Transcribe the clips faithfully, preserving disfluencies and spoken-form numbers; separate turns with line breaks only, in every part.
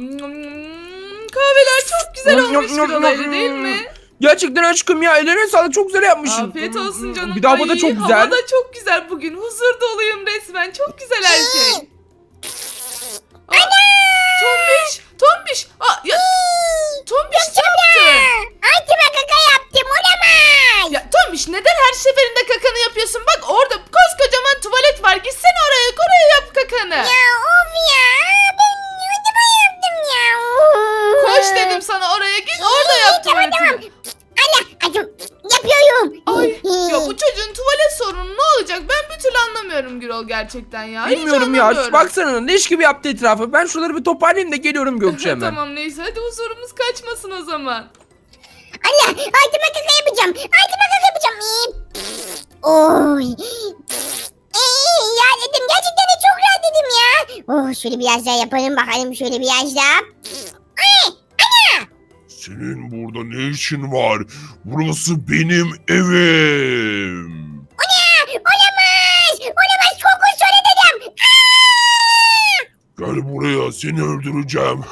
Kahveler çok güzel olmuş Gürol, öyle değil mi?
Gerçekten aşkım ya, ellerine sağlık, çok güzel yapmışsın.
Afiyet olsun canım.
Bir daha bu da
Ay,
çok güzel.
hava da çok güzel bugün. Huzur doluyum resmen. Çok güzel her şey. Aa, Tombiş, Tombiş. Aa, ya, Tombiş ne yaptın?
Altıma kaka yaptım, olamaz.
Ya Tombiş, neden her seferinde kakanı yapıyorsun? Bak orada koskocaman tuvalet var. Gitsene oraya, oraya yap kakanı.
Ya of ya, ben altıma yaptım ya.
Koş dedim sana, oraya git orada yap
Tamam tamam.
tuvaletini.
Allah acım yapıyorum.
Ay ya, bu çocuğun tuvalet sorunu ne olacak? Ben bir türlü anlamıyorum Gürol, gerçekten ya. Hiç
Bilmiyorum ya,
anlamıyorum.
baksana leş gibi yaptı etrafı. Ben şuraları bir toparlayayım da geliyorum Gökçe hemen.
Tamam neyse, hadi huzurumuz kaçmasın o zaman.
Allah altıma kaka yapacağım. Altıma kaka yapacağım. Oy. Ee, ya dedim, gerçekten de çok rahat dedim ya. Oh, şöyle biraz daha yapalım bakalım, şöyle biraz daha. Ay, ana.
Senin burada ne işin var? Burası benim evim.
Ana, olamaz. Olamaz, çok şöyle dedim. Aa!
Gel buraya, seni öldüreceğim.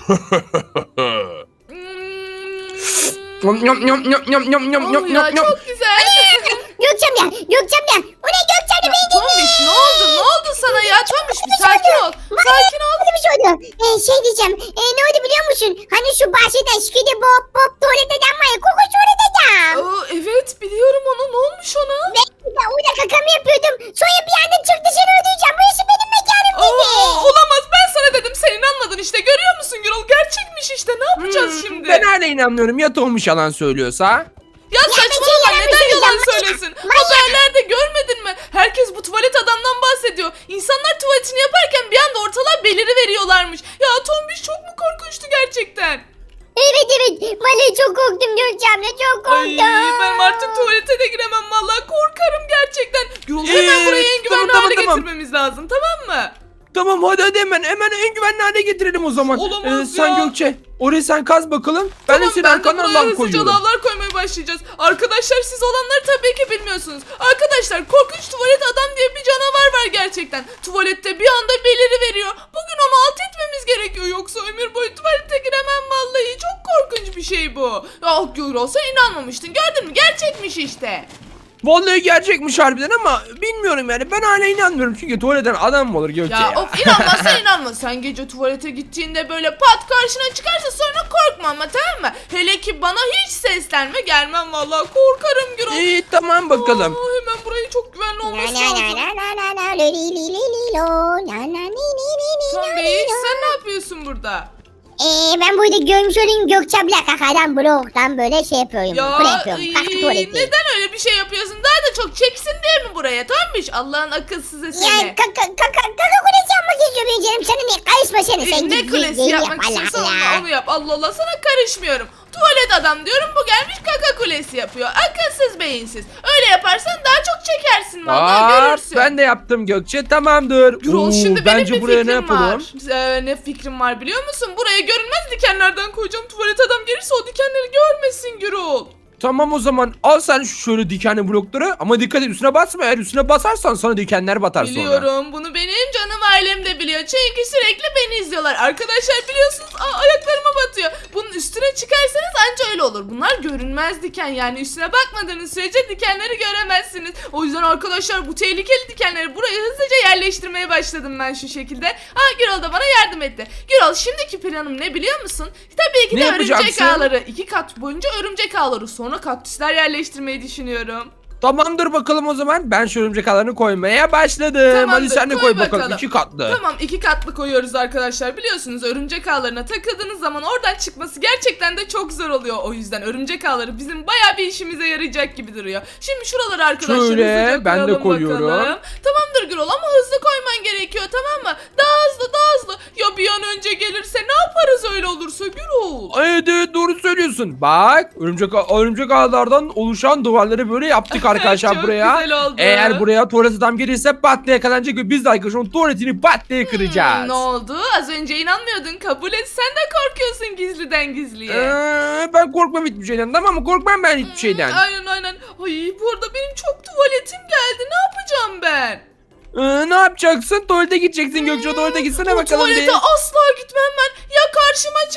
Yum yum yum yum yum yum yum
Oh
yum
ya,
yum yum.
çok güzel.
Gökçem ya, Gökçem ya. O ne Gökçem de beni dinle.
Tombiş ne oldu? Ne oldu sana ya? Tombiş bir sakin ol. Sakin ol.
Nasıl bir şey oldu? Ee, şey diyeceğim. Ee, ne oldu biliyor musun? Hani şu bahçede şikidi bop bop tuvalet adam var ya. Koku tuvalet adam.
Aa, evet biliyorum onu. Ne olmuş ona?
Ben de orada kakamı yapıyordum. Sonra bir anda çıktı, seni öldüreceğim. Burası benim mekanım dedi.
Aa, olamaz, ben sana dedim, sen inanmadın işte, görüyor musun Gürol, gerçekmiş işte, ne yapacağız
Hmm,
şimdi?
Ben hala inanmıyorum, ya Tomuş yalan söylüyorsa.
Ya saçmalama,
yalan
neden
söyleyeceğim,
yalan
manyak.
söylesin? Haberlerde görmedin mi? Herkes bu tuvalet adamdan bahsediyor. İnsanlar tuvaletini yaparken bir anda ortalığa beliri veriyorlarmış. Ya Tombiş çok mu korkunçtu gerçekten?
Evet evet. Vallahi çok korktum Gökçem'le, çok
Ay
korktum.
ben artık tuvalete de giremem, vallahi korkarım gerçekten. Gürol, hemen
Ee,
burayı en güvenli
tamam,
hale
tamam, tamam.
getirmemiz lazım, tamam mı?
Tamam hadi hadi hemen hemen en güvenli hale getirelim o zaman.
Olamaz
sen
ya.
Gökçe orayı sen kaz bakalım. Ben
Tamam,
de senin
ben de
arkandan
buraya
lav
hızlıca
koyuyorum.
lavlar koymaya başlayacağız. Arkadaşlar siz olanları tabii ki bilmiyorsunuz. Arkadaşlar korkunç tuvalet adam diye bir canavar var gerçekten. Tuvalette bir anda beliri veriyor. Bugün onu alt etmemiz gerekiyor. Yoksa ömür boyu tuvalete giremem vallahi. Çok korkunç bir şey bu. Ah Gürol, sen inanmamıştın. Gördün mü? Gerçekmiş işte.
Vallahi gerçekmiş harbiden ama bilmiyorum yani, ben hala inanmıyorum çünkü tuvaletten adam mı olur Gökçe ya?
Ya of, inanmazsan inanma. Sen gece tuvalete gittiğinde böyle pat karşına çıkarsa sonra korkma ama, tamam mı? Hele ki bana hiç seslenme, gelmem vallahi, korkarım Gürol.
İyi tamam bakalım.
Aa, hemen burayı çok güvenli
Na
olması
na na
lazım.
na na na na li li li li lo na na ni ni ni ni
Tombiş,
na ni lo.
sen ne yapıyorsun burada?
Ee, ben burada görmüş olayım, Gökçem'le kakadan bloktan böyle şey yapıyorum. Kule yapıyorum.
ay,
Kalktı tuvaleti.
neden öyle bir şey yapıyorsun? Daha da çok çeksin diye mi buraya Tombiş? Allah'ın akılsızı seni.
Ya kaka kaka kaka kulesi yapmak istiyor benim canım. Sana ne? Karışma sen. Sen
ne
git,
kulesi
git,
yapmak
Allah
istiyorsan
Allah.
onu, onu yap. Allah Allah, sana karışmıyorum. Tuvalet adam diyorum, bu gelmiş kaka kulesi yapıyor. Akılsız beyinsiz. Öyle yaparsan daha çok çekersin vallahi,
Aa,
görürsün.
ben de yaptım Gökçe, tamamdır.
Gürol,
Oo,
şimdi benim
bence
bir
buraya
fikrim
ne yapalım?
var. Ee, ne fikrim var biliyor musun? Buraya görünmez dikenlerden koyacağım. Tuvalet adam gelirse o dikenleri görmesin Gürol.
Tamam o zaman al sen şu şöyle dikenli blokları ama dikkat et üstüne basma, eğer üstüne basarsan sana dikenler batar sonra.
Biliyorum, bunu benim canım ailem de biliyor. Çünkü sürekli beni izliyorlar. Arkadaşlar biliyorsunuz, aa, ayaklarıma batıyor. Bunun üstüne çıkarsanız anca öyle olur. Bunlar görünmez diken, yani üstüne bakmadığınız sürece dikenleri göremezsiniz. O yüzden arkadaşlar bu tehlikeli dikenleri buraya hızlıca yerleştirmeye başladım ben şu şekilde. Aa, Gürol da bana yardım etti. Gürol, şimdiki planım ne biliyor musun? Tabii ki
Ne
de örümcek
yapacaksın?
ağları. İki kat boyunca örümcek ağları. Sonra kaktüsler yerleştirmeyi düşünüyorum.
Tamamdır bakalım o zaman, ben şu örümcek ağlarını koymaya başladım.
Tamamdır,
Hadi sen de
koy
koy bakalım,
bakalım.
iki katlı.
Tamam, iki katlı koyuyoruz arkadaşlar. Biliyorsunuz örümcek ağlarına takıldığınız zaman oradan çıkması gerçekten de çok zor oluyor. O yüzden örümcek ağları bizim bayağı bir işimize yarayacak gibi duruyor. Şimdi şuraları arkadaşlar
Şöyle,
hızlıca
ben de
koyalım
koyuyorum.
bakalım. Tamamdır Gürol, ama hızlı koyman gerekiyor, tamam mı? Daha hızlı daha hızlı. Ya bir an önce gelirse ne yaparız öyle olursa Gürol?
Evet evet, doğru söylüyorsun. Bak örümcek, örümcek ağlardan oluşan duvarları böyle yaptık arkadaşlar
Çok
buraya.
güzel oldu.
Eğer buraya tuvalet adam gelirse pat diye yakalanacak ve biz de arkadaşlar onun tuvaletini pat diye kıracağız.
Hmm, ne oldu? Az önce inanmıyordun, kabul et. Sen de korkuyorsun gizliden gizliye.
Ee, ben korkmam hiçbir şeyden, tamam mı? Korkmam ben hiçbir şeyden.
Aynen aynen. Ay bu arada benim çok tuvaletim geldi. Ne yapacağım ben?
Ee, ne yapacaksın? Tuvalete gideceksin Gökçe, tuvalete gitsene
Bu
bakalım
tuvalete
bir.
asla gitmem ben. Ya karşıma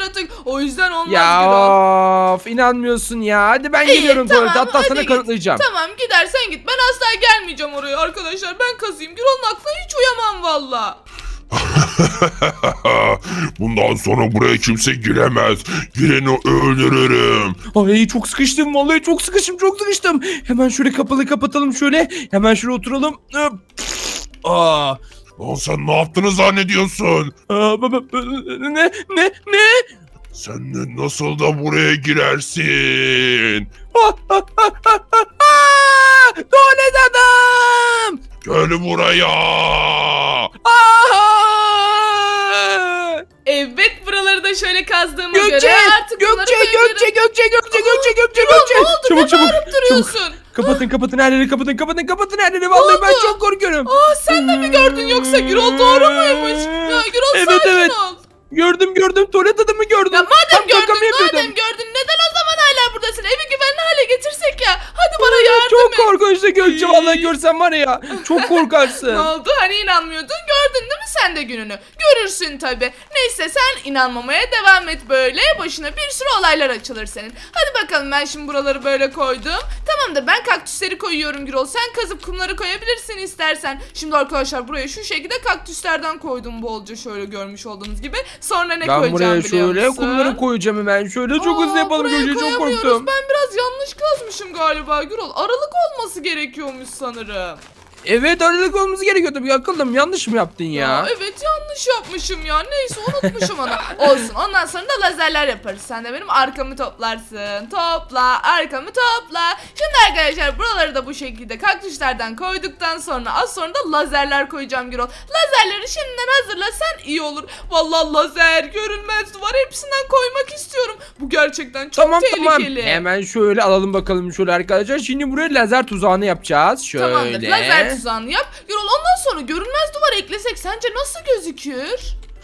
yaratık. O yüzden olmaz
Ya
Gürol.
of, inanmıyorsun ya. Hadi ben
İyi,
geliyorum
tamam,
tuvalete. Hatta
hadi
sana
git.
kanıtlayacağım.
Tamam gidersen git. Ben asla gelmeyeceğim oraya arkadaşlar. Ben kazıyım. Gürol'un aklına hiç uyamam valla.
Bundan sonra buraya kimse giremez. Gireni öldürürüm.
Ay çok sıkıştım vallahi çok sıkıştım çok sıkıştım. Hemen şöyle kapalı kapatalım şöyle. Hemen şöyle oturalım. Aa,
Lan sen ne yaptığını zannediyorsun?
aa, ba- ba- ne ne ne?
Sen de nasıl da buraya girersin?
Ah, ah, ah, ah, ah, ah! Tuvalet adam!
Gel buraya.
Ah!
Evet buraları da şöyle kazdığıma
Gökçe,
göre artık bunları
Gökçe,
koyabilirim.
Gökçe, Gökçe, Gökçe, Gökçe, Gökçe,
Gürol,
Gökçe.
ne oldu?
Çabuk,
Ne
çabuk,
bağırıp
çabuk.
duruyorsun?
Kapatın, kapatın her yeri, kapatın, kapatın, kapatın her yeri. Vallahi ben
oldu?
çok korkuyorum.
Aa sen de mi gördün yoksa Gürol doğru muymuş? Ya Gürol
Evet,
sakin
evet.
ol.
Gördüm, gördüm. Tuvalet adamı gördüm.
Ya madem
Tam
gördün,
kakamı yapıyordum.
madem gördün neden o zaman hala buradasın? Evi güvenli hale getirsek ya. Hadi bana yardım
Çok
et.
korkunçtu Gökçe. Vallahi görsen var ya. Çok
Ne
korkarsın.
oldu? Hani inanmıyordun? Gördün değil mi sen de gününü? Görürsün tabi. Neyse sen inanmamaya devam et böyle. Başına bir sürü olaylar açılır senin. Hadi bakalım ben şimdi buraları böyle koydum. Tamamdır ben kaktüsleri koyuyorum Gürol. Sen kazıp kumları koyabilirsin istersen. Şimdi arkadaşlar buraya şu şekilde kaktüslerden koydum bolca şöyle görmüş olduğunuz gibi. Sonra ne
Ben
koyacağım
buraya
biliyor
şöyle
musun?
kumları koyacağım hemen. Şöyle çok
Aa,
hızlı yapalım
buraya
Gökçe. Çok
koyamıyoruz.
korktum.
Ben biraz yanlış kazmışım galiba Gürol. Aralık olması gerekiyormuş sanırım.
Evet aralık olmamız gerekiyordu. Bir akıllım yanlış mı yaptın ya?
Ya evet yanlış yapmışım ya. Neyse unutmuşum onu. Olsun ondan sonra da lazerler yaparız. Sen de benim arkamı toplarsın. Topla arkamı topla. Şimdi arkadaşlar buraları da bu şekilde kaktüslerden koyduktan sonra az sonra da lazerler koyacağım Gürol. Lazerleri şimdiden hazırlasan iyi olur. Vallahi lazer, görünmez duvar hepsinden koymak istiyorum. Bu gerçekten çok
Tamam tamam.
tehlikeli.
Hemen şöyle alalım bakalım şöyle arkadaşlar. Şimdi buraya lazer tuzağını yapacağız. Şöyle.
Tamamdır lazer tuzağını yap. Gürol ondan sonra görünmez duvar eklesek sence nasıl gözükür?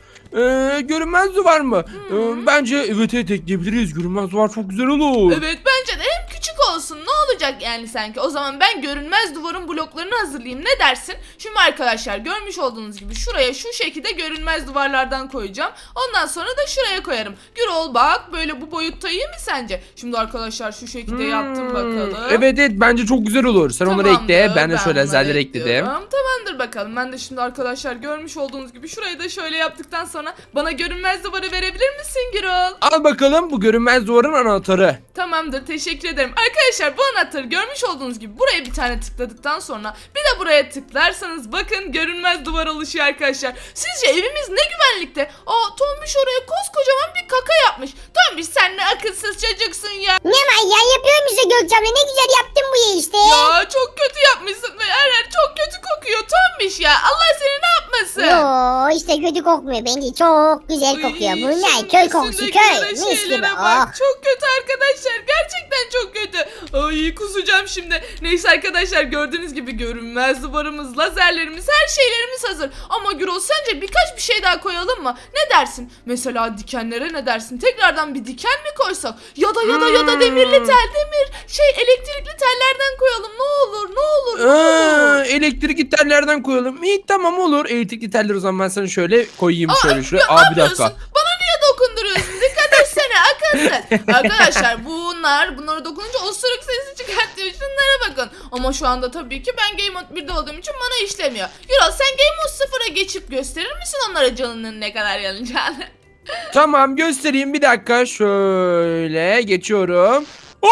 Ee, görünmez duvar mı? Ee, bence evet evet ekleyebiliriz. Görünmez duvar çok güzel olur.
Evet bence de hem küçük olsun ne olacak yani sanki. O zaman ben görünmez duvarın bloklarını hazırlayayım ne dersin? Şimdi arkadaşlar görmüş olduğunuz gibi şuraya şu şekilde görünmez duvarlardan koyacağım. Ondan sonra da şuraya koyarım. Gürol bak böyle bu boyutta iyi mi sence? Şimdi arkadaşlar şu şekilde yaptım
Hmm,
bakalım.
Evet evet bence çok güzel olur. Sen onları
Tamamdır,
ekle. Ben de şöyle
bunları
lazerleri ekledim.
ekliyorum. Tamamdır bakalım. Ben de şimdi arkadaşlar görmüş olduğunuz gibi şurayı da şöyle yaptıktan sonra bana görünmez duvarı verebilir misin Gürol?
Al bakalım bu görünmez duvarın anahtarı.
Tamamdır teşekkür ederim. Arkadaşlar bu anahtarı görmüş olduğunuz gibi buraya bir tane tıkladıktan sonra bir de buraya tıklarsanız bakın görünmez duvar oluşuyor arkadaşlar. Sizce evimiz ne güvenlikte? Aa Tombiş oraya koskocaman bir kaka yapmış. Tombiş sen ne akılsız çocuksun ya.
Ne var ya yapıyorum işte Gökçe abla ne güzel yaptın bu ya işte.
Ya çok kötü yapmışsın ve her yer çok kötü kokuyor Tombiş ya. Allah seni ne yapmasın?
Yo işte kötü kokmuyor bence çok güzel kokuyor.
Ay,
Bu ne
şimdi
köy kokusu
üstündekilere,
köy mis gibi.
şeylere
Oh.
bak. Çok kötü arkadaşlar. Gerçekten çok kötü. Ay kusacağım şimdi. Neyse arkadaşlar gördüğünüz gibi görünmez duvarımız, lazerlerimiz, her şeylerimiz hazır. Ama Gürol sence birkaç bir şey daha koyalım mı? Ne dersin? Mesela dikenlere ne dersin? Tekrardan bir diken mi koysak? Ya da ya da ya da demirli tel, demir. Şey elektrikli tellerden koyalım. Ne olur, ne olur, ne olur.
Aa, elektrikli tellerden koyalım. İyi tamam olur. Elektrikli teller o zaman ben sana şöyle koyayım şöyle şuraya.
Ya ne
Aa bir dakika.
yapıyorsun? Bana niye dokunduruyorsun? Dikkat etsene akılsız. Arkadaşlar bunlar bunları dokununca osuruk sesi çıkartıyor. Şunlara bakın. Ama şu anda tabii ki ben Game Mode birde olduğum için bana işlemiyor. Gürol sen Game Mode sıfıra geçip gösterir misin onlara canının ne kadar yanacağını?
Tamam göstereyim bir dakika. Şöyle geçiyorum.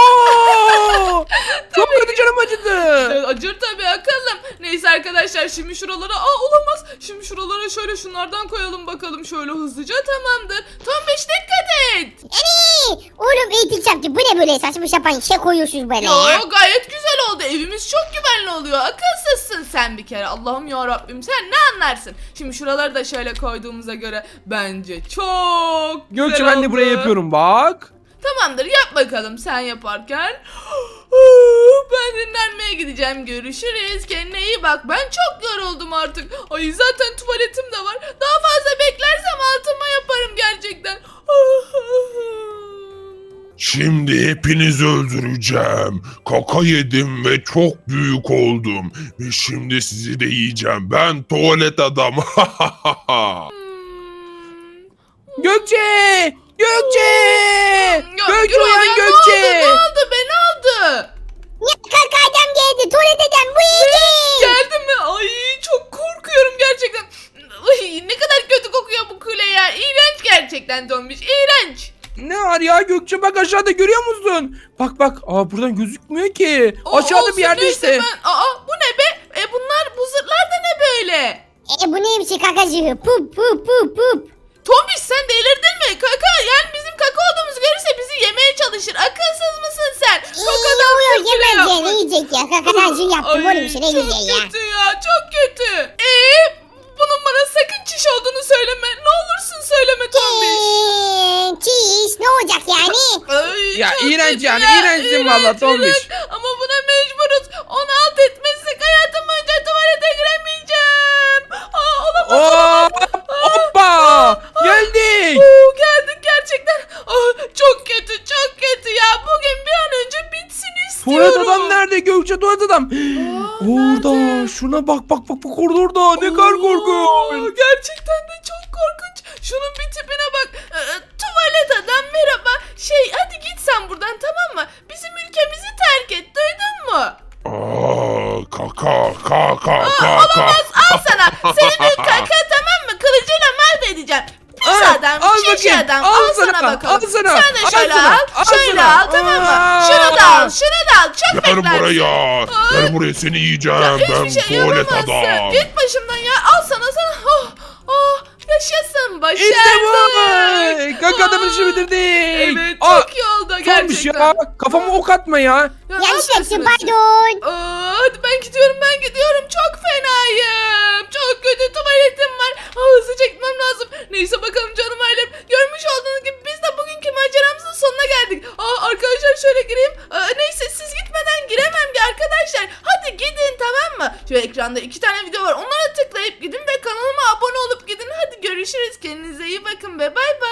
Oo! Çok kötü canım acıdı.
Evet, acır tabii akıllım. Neyse arkadaşlar şimdi şuralara aa olamaz. Şimdi şuralara şöyle şunlardan koyalım bakalım şöyle hızlıca tamamdır. Tombiş dikkat et.
Eee, oğlum eğitim yaptı bu ne böyle saçma sapan şey koyuyorsunuz böyle ya.
Yo gayet güzel oldu. Evimiz çok güvenli oluyor. Akılsızsın sen bir kere. Allah'ım ya Rabbim sen ne anlarsın? Şimdi şuraları da şöyle koyduğumuza göre bence çok güzel
Gökçe ben de
oldu.
buraya yapıyorum bak.
Tamamdır yap bakalım sen yaparken. Ben dinlenmeye gideceğim. Görüşürüz. Kendine iyi bak. Ben çok yoruldum artık. Ay zaten tuvaletim de var. Daha fazla beklersem altıma yaparım gerçekten.
Şimdi hepinizi öldüreceğim. Kaka yedim ve çok büyük oldum. Ve şimdi sizi de yiyeceğim. Ben tuvalet adam.
Gökçe! Gökçe!
Ya,
Gökçe
Gürol ya,
uyan
Ne
Gökçe!
oldu? Ne oldu? Be ne oldu?
Ya kaka adam geldi. Tuvalet adam bu iyiydi.
Geldi mi? Ay çok korkuyorum gerçekten. Ay, ne kadar kötü kokuyor bu kule ya. İğrenç gerçekten Tombiş. İğrenç.
Ne var ya Gökçe, bak aşağıda görüyor musun? Bak bak, aa buradan gözükmüyor ki.
O-
Aşağıda
olsun,
bir yerde
neyse
işte.
Ben... Aa bu ne be? E bunlar bu zırhlar da ne böyle?
E bu neymiş kakacığı? Pup pup pup pup.
Tombiş sen delirdin mi? Kaka yani bizim kaka olduğumuzu görürse bizi yemeye çalışır. Akılsız mısın sen? Kakadan
Uyuyor
fırfır
yemez ya.
yapmış.
Ne yiyecek ya? Kakacığı yaptım
Ay,
oğlum işte ne güzel ya.
Çok kötü ya çok kötü. Eee bunun bana sakın çiş olduğunu söyleme. Ne olursun söyleme Tombiş.
Eee, Çiş ne olacak yani?
Ay,
Ya
çok
iğrenç
kötü
yani,
ya,
iğrençsin
iğrenç,
valla Tombiş.
iğrenç. Ama buna mecburuz. Onu alt etmezsek hayatım boyunca tuvalete giremeyeceğim. Aa, olamaz olamaz.
Hop, hoppa! Geldik.
Oo, geldik gerçekten. Aa, çok kötü çok kötü ya. Bugün bir an önce bitsin istiyorum.
Tuvalet adam nerede Gökçe, tuvalet adam? Orada,
nerede?
şuna bak bak bak bak orada orada, ne kadar
Oo,
korkunç.
Gerçekten de çok korkunç. Şunun bir tipine bak. Ee, tuvalet adam merhaba. Şey hadi git sen buradan tamam mı? Bizim ülkemizi terk et duydun mu?
Aa, kaka kaka kaka.
Olamaz al sana. Senin bir kaka tamam mı? Kılıcıyla mahvedeceğim. Pis
Aa,
adam,
al
şiş
bakayım,
adam.
al
Al, sana,
sana,
bakalım.
al sana,
Sen de
al
şöyle
sana,
al.
al
şöyle
sana.
al tamam mı?
Aa.
Şunu da al, şunu da al. Çok
Gel
beklersin.
buraya. Gel buraya seni yiyeceğim. Ben
Hiçbir şey
tuvalet
yapamazsın.
adam.
Git başımdan ya. Al sana sana. Oh, oh, yaşasın. Başardık.
İşte bu. Kaka adamın işi bitirdik.
Evet
Aa,
çok iyi oldu
Tombiş
gerçekten.
ya, kafama ok atma ya.
Ya, ne
Yanlış yaptım
yapıyorsunuz?
pardon.
Aa, hadi ben gidiyorum ben gidiyorum. Çok fenayım. Çok kötü tuvaletim var. Aa, hızlıca gitmem lazım. Neyse bakalım canım ailem. Görmüş olduğunuz gibi biz de bugünkü maceramızın sonuna geldik. Aa, arkadaşlar şöyle gireyim. Aa, neyse siz gitmeden giremem ki arkadaşlar. Hadi gidin tamam mı? Şu ekranda iki tane video var. Onlara tıklayıp gidin ve kanalıma abone olup gidin. Hadi görüşürüz. Kendinize iyi bakın ve bay bay.